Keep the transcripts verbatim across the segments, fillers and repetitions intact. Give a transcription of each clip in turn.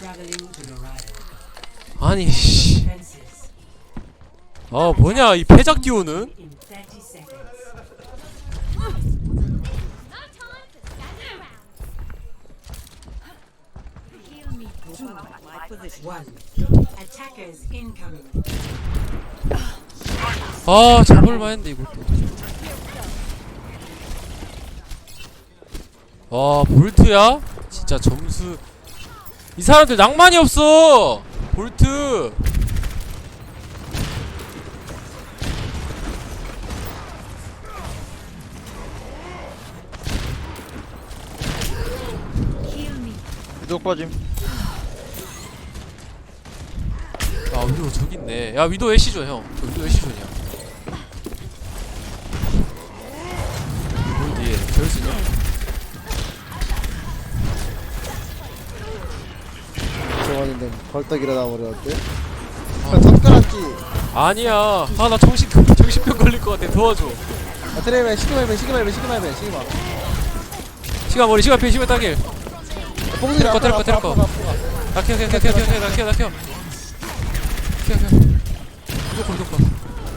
아니 씨. 아 뭐냐 이 패작 듀오는? 아 잡을만 했는데 이것도. 와 볼트야? 진짜 점수 이 사람들 낭만이 없어. 볼트 위도 빠짐. 아 위도 저기 있네. 야 위도 애쉬존 형. 저 위도 애쉬존이야. 볼 뒤에 재울 수 있냐? 정원인데 벌떡 일어나 버렸대. 아, 젓가락지. 아니야. 아 나 정신 정신병 걸릴 것 같아. 도와줘. 아, 트레이맨 시그마이맨 시그마이맨 시그마이맨 시그마. 시간 머리 시간 피 시간 따길. 뽕들이 때릴 거, 때릴 거, 때릴 거. 나 키워 키워 키워 키워 키워 나 키워 나 키워. 키워 키워. 무조건 무조건.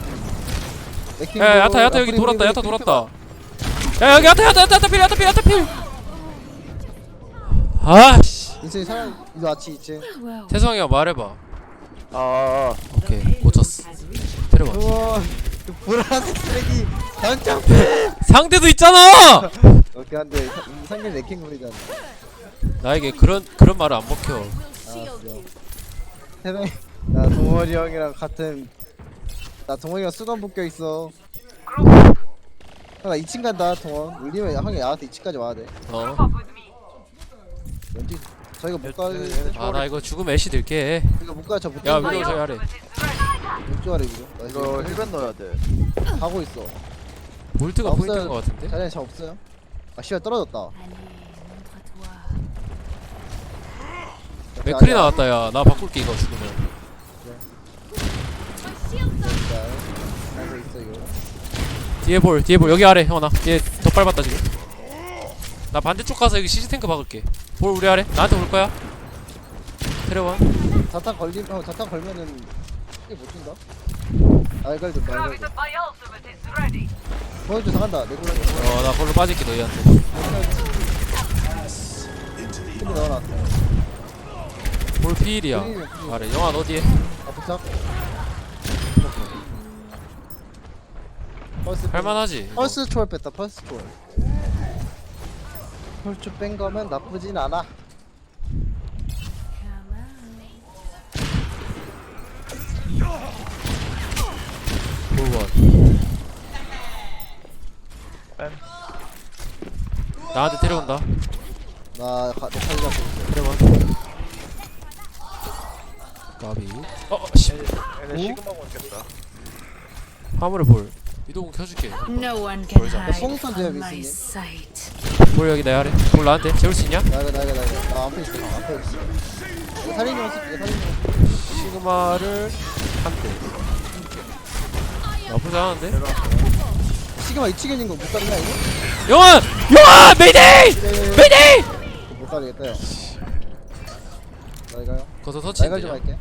야 야타 야타 여기 돌았다. 야타 돌았다. 야 여기 야타 야타 야타 야타 필 야타 필 야타 필. 아씨. 인생이 사람 이거 아치 있지. 태성이가 말해봐. 아, 오케이 못 쳤어. 때려봐. 우와 그 보라색 쓰레기 당장. 상대도 있잖아. 오케이 한데 상대 레킹물이잖아. 나에게 그런 그런 말을 안 먹혀. 알았어. 세상에 나 동원이 형이랑 같은 나 동원이가 수건 묶여 있어. 나 이 층 간다 동원. 울리면 형이 나한테 이 층까지 와야 돼. 어. 왠지 저희가 못 가. 아 나 이거 죽으면 애쉬 들게. 이거 못 가. 저 못. 야 가. 위도 저기 아래. 왼쪽 아래 이거. 나 이거 이거 힐벤 넣어야 돼. 가고 있어. 볼트가 없어요. 포인트인 것 같은데. 자리에 저 없어요? 아 씨발 떨어졌다. 맥클이 나왔다 야. 나 바꿀게 이거 죽으면. 가고 있어 이거. 뒤에 볼 뒤에 볼 여기 아래 형아 얘 더 밟았다 지금. 나 반대쪽 가서 여기 시즈 탱크 박을게. 볼 우리 아래 나한테 올 거야. 테레원. 자탄 걸림 어 자탄 걸면은 이게 못 준다. 알갈도 알갈도. 보여줘 나간다. 내 골라. 어나 걸로 빠질게 너희한테. 근데 넣어놨다. 볼 피일이야. 아래 영아 너 뒤에. 아 부착. 펄스 할만하지. 이거. 펄스 초월 뺐다. 펄스 초월. 펄스 뺀 거면 나쁘진 않아. 볼원. 뺨. 나한테 데려온다. 나 가, 내 칼 잡고 있어. 데려원. 까비. 어 어, 씨. 얘네 시그마 먹겠다. 화물을 볼. 이동은 켜줄게. No one can 보여줘. hide 뽕선 제압 from my 있으니? sight. 볼 여기 내 아래. 볼 나한테 재울 수 있냐? 나가 나가 나가. 나 앞에 있어. 나 앞에 있어. 살인이 왔어. 살인이 왔어. 시그마를 한 대. 나쁘지 않은데? 시그마 이 층에 있는 거 못 가리나 이거? 영원! 영원! 메이데이! 메이데이! 못 가리겠다 요. 나 이거요. 거기서 나 이거 좀 터치인데. 할게.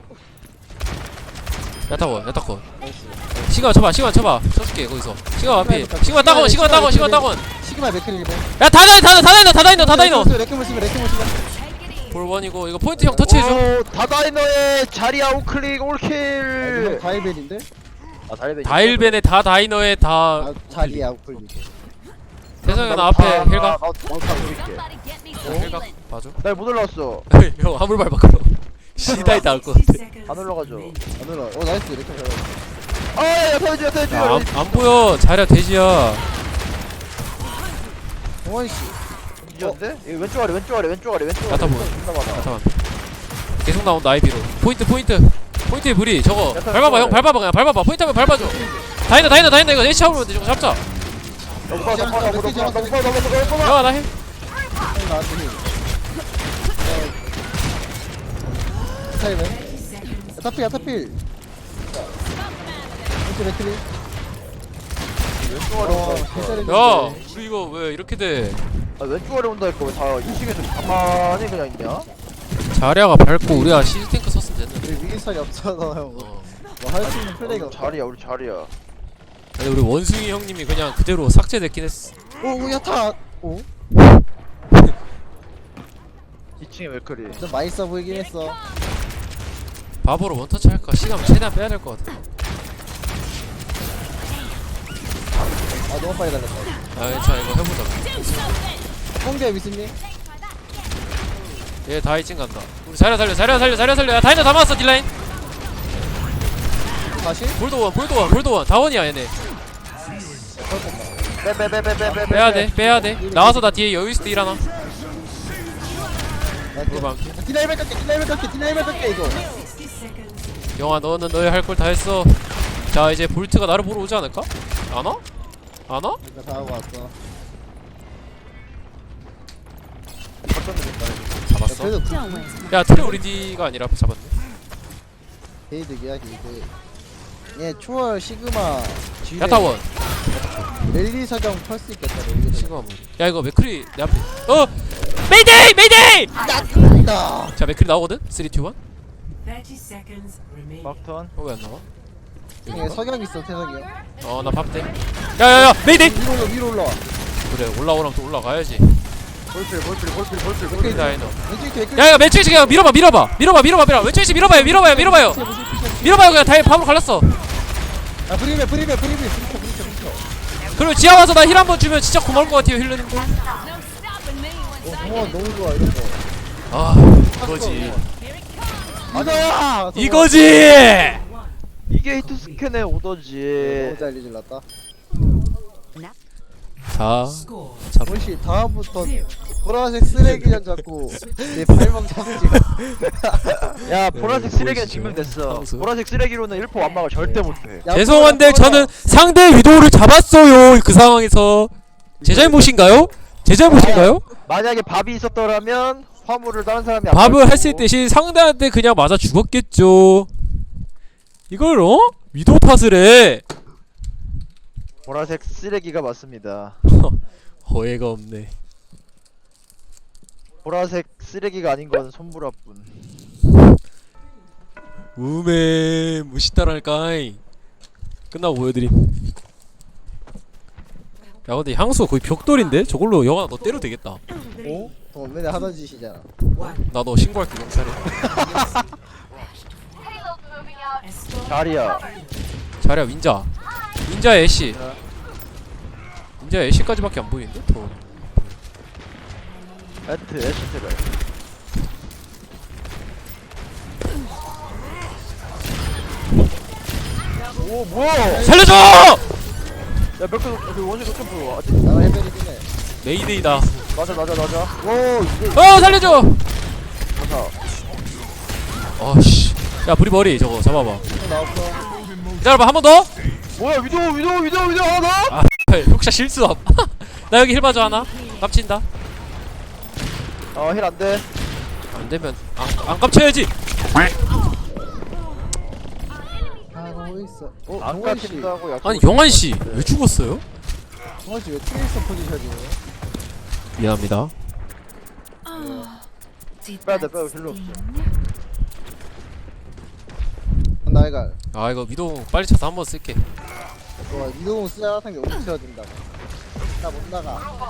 야타고 야타고. 시그마 쳐봐 시그마 쳐봐. 쳐줄게 거기서. 시그마 앞에. 시그마 따건 시그마 따건 시그마 따건. 시그마 맥클 리버. 야 다다이 다다 다다이너 다다이너 다다이너. 레킹 무시면 레킹 무시면. 볼 원이고 이거 포인트 형 터치해줘. 오, 다다이너의 자리야 우클릭 올킬. 다이벨인데? 아, 다이벤. 다일벤의 다 다이너의 다. 아 자리야 우클 리버. 태성이 나 앞에 힐각. 나다 보일게. 힐각 봐줘. 나못 올라왔어. 형 화물 밟아 그럼. 시다이 나올 것 같아. 안 올라가죠. 안 올라. 어 나이스 레킹 잘. 아, 야, 야, 터지, 터지. 야, 안, 안 보여. 자리야 돼지야. 동원 씨. 이겼는데? 이거 왼쪽 아래, 왼쪽 아래, 왼쪽 아래, 왼쪽 아래. 야타 보여. 존나 많아. 잠깐만. 계속 나온다 아이비로. 포인트 포인트. 포인트에 무리 저거. 약간 밟아봐 형 좋아요. 밟아봐 그냥 밟아봐. 포인트 하면 밟아줘. 다이너 다이너 다이너 이거 H 잡으면 돼. 저거 잡자. 너무 빠, 너무 빠, 너무 빠, 너무 빠, 너무 빠, 너무 빠. 영아 나 해. 나한테 힐. 타이맨. 타필 야타필. 이렇게 맥클리. 왼쪽 아래 온다. 야 우리 이거 왜 이렇게 돼. 아, 왼쪽 아래 온다 했고, 왜다 이 층에서 가만히 그냥 있냐? 자리아가 밟고 우리가 시스탱크 썼으면 됐는데. 우리 위기설이 없잖아 형. 어. 뭐 할 수 있는 플레이가 없어. 자리야 우리 자리야. 아니, 우리 원숭이 형님이 그냥 그대로 삭제됐긴 했어. 오 야타. 오? 이 층에 맥크리. 좀 맛있어 보이긴 했어. 바보로 원터치 할까? 시간 최대한 빼야 될 것 같아. 아 너무 빨리 달렸다. 아 괜찮아 이거 해보자. 홍대 미스님. 얘 다이칭 간다. 우리 자리아 살려 자리아 살려 자리아 살려. 야 다이너 다 맞았어 딜라인. 다시? 볼도원 볼도원 볼도원 다원이야 얘네. 빼빼빼빼빼빼. 빼야돼 빼야돼. 나와서 나 뒤에 여유있을 때 일하나. 물방. 디나이벨 깎게 디나이벨 깎게 디나이벨 깎게 이거. 영아 너는 너의 할 걸 다 했어. 자 이제 볼트가 나를 보러 오지 않을까? 안 와? 안 와? 이거 다 하고 왔어. 잡았어. 그래도 그 야 트레 우리 D가 아니라 잡았네. 게이득이야 게이득. 얘 초월 시그마 G레 야타원 랠리 사정 펄 수 있겠다. 랠리 사정. 시그마 뭐. 야 이거 맥크리 내 앞에. 어 메이데이 메이데이. 나. 자 맥크리 나오거든. 쓰리, 투, 원. thirty seconds remaining. 막턴. 어 왜 안 나와? 얘 석양 있어 태석이 형. 어나 밥대. 야야야 메이데이. 위로 올라 위로 올라. 그래 올라오라면 또 올라가야지. 볼필 볼필 볼필 볼필 우리 볼필. 다이너. 왼쪽에 댓글. 야야 왼쪽에 그냥 밀어봐 밀어봐 밀어봐 밀어봐 밀어봐 왼쪽에 밀어봐요 밀어봐요 밀어봐요 밀어봐요 그냥 다이 밥으로 갈랐어. 아 브리베 브리베 브리베 브리베 브리베 브리베. 그리고 지하 와서 나 힐 한번 주면 진짜 고마울 것 같아요 힐러님들. 어 동원 너무 좋아 이런 거. 아 이거지 이거야. 이거지. 이게 히트 스캔의 오더지. 너무 잘 리질렀다. 자 원시 다음부터 보라색 쓰레기장 잡고 내 발목 잡지. 야 보라색 네, 쓰레기는 보이시죠? 증명됐어. 상수. 보라색 쓰레기로는 일 포 완막을 절대 못해. 야, 죄송한데 보라, 보라. 저는 상대 위도우를 잡았어요 그 상황에서. 제 잘못인가요? 제 잘못인가요? 만약에 밥이 있었더라면 화물을 다른 사람이 안 밥을 밟고. 했을 대신 상대한테 그냥 맞아 죽었겠죠. 이걸 어? 위도우 탓을 해. 보라색 쓰레기가 맞습니다. 어이가 없네. 보라색 쓰레기가 아닌 건 손보라뿐. 우메 무시따랄까이. 끝나고 보여드림. 야 근데 향수 거의 벽돌인데? 저걸로 영아 너 때려도 되겠다. 어? 동원 맨날 하던 짓이잖아. 나 너 신고할게 경찰에. 자리야. 자리야 윈자. 윈자 애쉬. 윈자 애쉬까지밖에 안 보이는데? 더. 애트 애쉬테가. 오 뭐야? 살려줘! 야 몇개 그 원시 좀 보여. 아직 나랑 해변이긴 해. 메이데이다. 맞아 맞아 맞아. 오 이게 어 살려줘! 맞아. 아씨. 야 브리 머리 저거 잡아봐. 또 나왔어. 기다려봐 한 번 더. 뭐야 위도 위도 위도 위도 하나? 아 혹시 실수함. 나 여기 힐 봐줘 하나. 깝친다. 어힐 안돼. 안 되면 안, 안 깝쳐야지. 하고 있어. 어 안 동원 씨. 깎인다고 약. 아니 영환 씨 왜 죽었어요? 동원 씨왜 트레이서 포지션이에요? 미안합니다. 빼야 돼 빼야 필요 없어. 나이가. 아 이거 위도 빨리 차서 한번 쓸게. 와 이동훈 쓰자 같은 게 어디 쳐야 된다. 나 못 나가.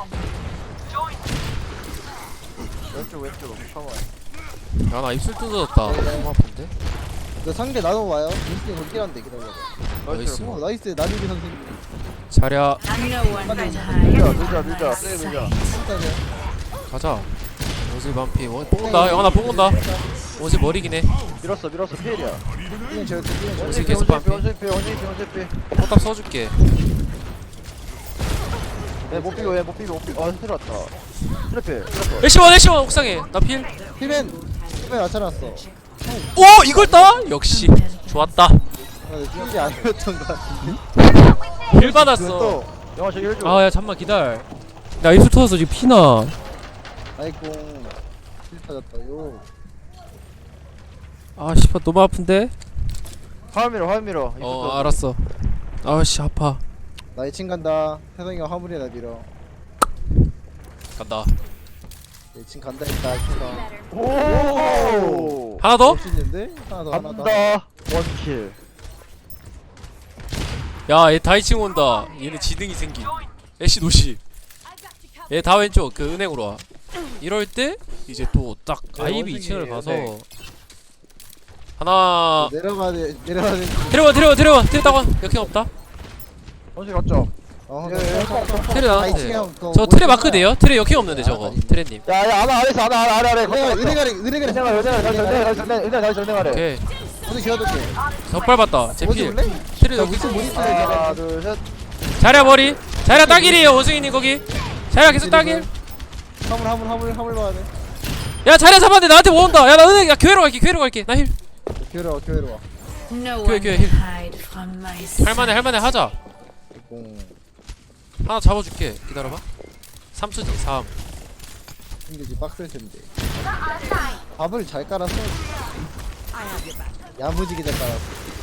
왼쪽 왼쪽 처음. 야 나 입술 뜯어졌다. 너무 아픈데? 너 상대 나도 와요. 민스님 거기란데 기다려. 나이스. 어 나이스 나비비 선생님. 자랴 No one can 밀자 hide. 밀자 밀자 세게 밀자. 진짜네. 가자. 원숭이 반피 원 뽑는다. 영환아 뽑는다. 원숭이 머리긴 해. 밀었어 밀었어 피해야. 이는 저렇게 이는 저렇게. 원숭이 계속 반피. 원숭이 피 원숭이 피 원숭이 피. 포탑 써줄게. 얘못 비고 얘못 비고 못 비고. 아 스트레 왔다. 스트레 피 스트레. 애쉬원 애쉬원 옥상에 나 필. 피맨 피맨 맞춰놨어. 오 이걸 따? 역시 좋았다. 아, 내 아니었던 것 같은데. 힐 받았어. 또 영화 저기 해줘. 아 야 잠만 기다려. 나 입술 터졌어 지금 피나. 아이고 실 터졌다요. 아 씨발 너무 아픈데? 화면 밀어 화면 밀어. 어 알았어. 아씨 아파. 나 이 층 간다. 세상이가 화물이나 밀어. 간다. 이 층 간다 했다 했다. 오 하나 더? 할수 있는데? 하나 더 하나 더. 간다 원킬 야얘 다 이 층 온다. 얘는 지능이 생긴 애쉬 노시. 얘 다 왼쪽 그 은행으로 와. 이럴 때 이제 또 딱 아이비 이 층을 가서 네. 하나 내려가야 돼 내려가야 돼. 데려와 데려와 데려와 데려 따가 역행 없다. 원킬 갔죠 어, 예, 예, 트레 아, 이 층에 나한테 형 그거 저 트레 못 마크 쓰잖아. 돼요? 트레 역행 없는데 저거 아, 트레님. 야야 아나 아래서 아나 아래 아래 아래 은행아 은행아래 은행아래 은행아 은행아 다시 은행아 다시 은행아 은행아 다시 은행아래 오케이 어디 지어둘게. 덧발 봤다 어디 제필 볼래? 트레 나 여기 위층 못 있어. 하나 둘셋 자리야 머리 자리야 따길이에요 원숭이님 거기. 자리야 계속 따길. 화물 화물 화물 화물 봐야 돼. 야 자리야 잡았는데 나한테 뭐 온다. 야 나 은행 야 교회로 갈게 교회로 갈게 나 힐. 교회로 와 교회로 와. No Okay, one okay, can here. hide from my sight. 할만해 할만해 하자. 공. 하나 잡아줄게 기다려봐. 삼수지 삼. 힘들지 빡셀 텐데. 밥을 잘 깔았어. 야무지게 잘 깔았어.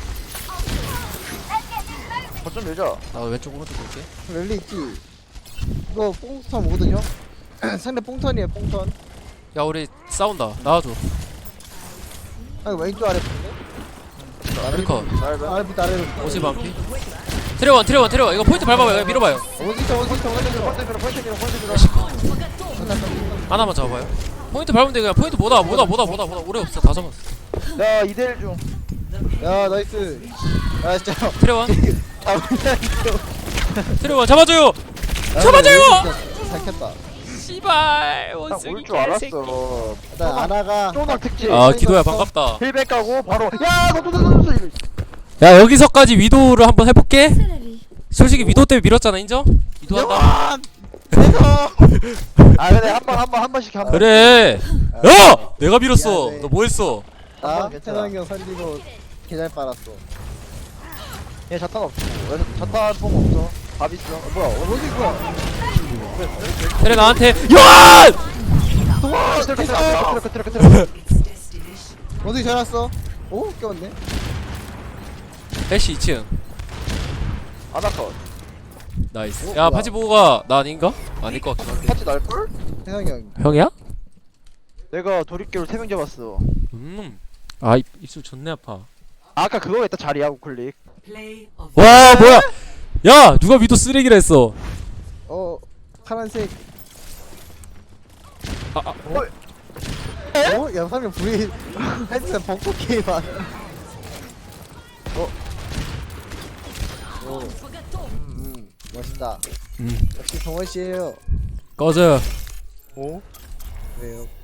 거점 밀자 나 왼쪽 오른쪽 볼게. 랠리 있지. 이거 뽕턴 오거든요. 상대 뽕턴이에요 뽕턴. 야 우리 싸운다 나와줘. 아 이거 왼쪽 아래 뽕네. 아메리커 아래부터 아래로. 오십 반피. 트레원 트레원 트레원 이거 포인트 밟아봐요. 이거 밀어봐요. 어디서 어디서 어디서. 포인트 밀어 포인트 밀어 포인트 밀어 하나만 잡아봐요. 포인트 밟으면 돼. 그냥 포인트 뭐다 뭐다 뭐다 뭐다 뭐다 오래 없어 다 잡았어. 야 이대일 중 야 나이스. 야 진짜. 트레원 아 진짜. 트레원 잡아줘요. 잡아줘요! 잘 켰다. 씨발 딱 원숭이 올 줄 알았어 일단 아나가. 쪼낙 특집 아 기도야 반갑다. 힐백 가고 바로 야너너너너 야 여기서까지 위도를 한번 해볼게. 솔직히 위도 때문에 밀었잖아 인정? 위도한다. 아 근데 한번 한 번 한 번씩 한번 그래. 야 내가 밀었어. 미안해. 너 뭐했어? 나 괜찮아. 태상이 형 살리고 개잘 빨았어. 얘 자탄 없고 그래서 자탄 폼 없어 밥 있어 어, 뭐야 어, 어디 뭐야? 테레 나한테 요한! 와 트럭 트럭 트럭 트럭 트럭 어디 잘 왔어? 오 껴왔네. 애쉬 이 층 아나컷 나이스. 어, 야 뭐야? 파지 보고가 나 아닌가? 아닐 것 같긴 한데. 같이 날걸? 태상이 형. 형이야? 내가 도립기로 세 명 잡았어 음. 아 입, 입술 존내 아파. 아까 그거 했다 자리야 우클릭 Play of 와 뭐야? 야 누가 위도 쓰레기라 했어? 어 파란색. 아, 아 어? 야 화면 V 헤드셋 벚꽃 게임한. 어? 오. 음 멋있다. 음 역시 정원 씨예요. 꺼져. 오? 왜요?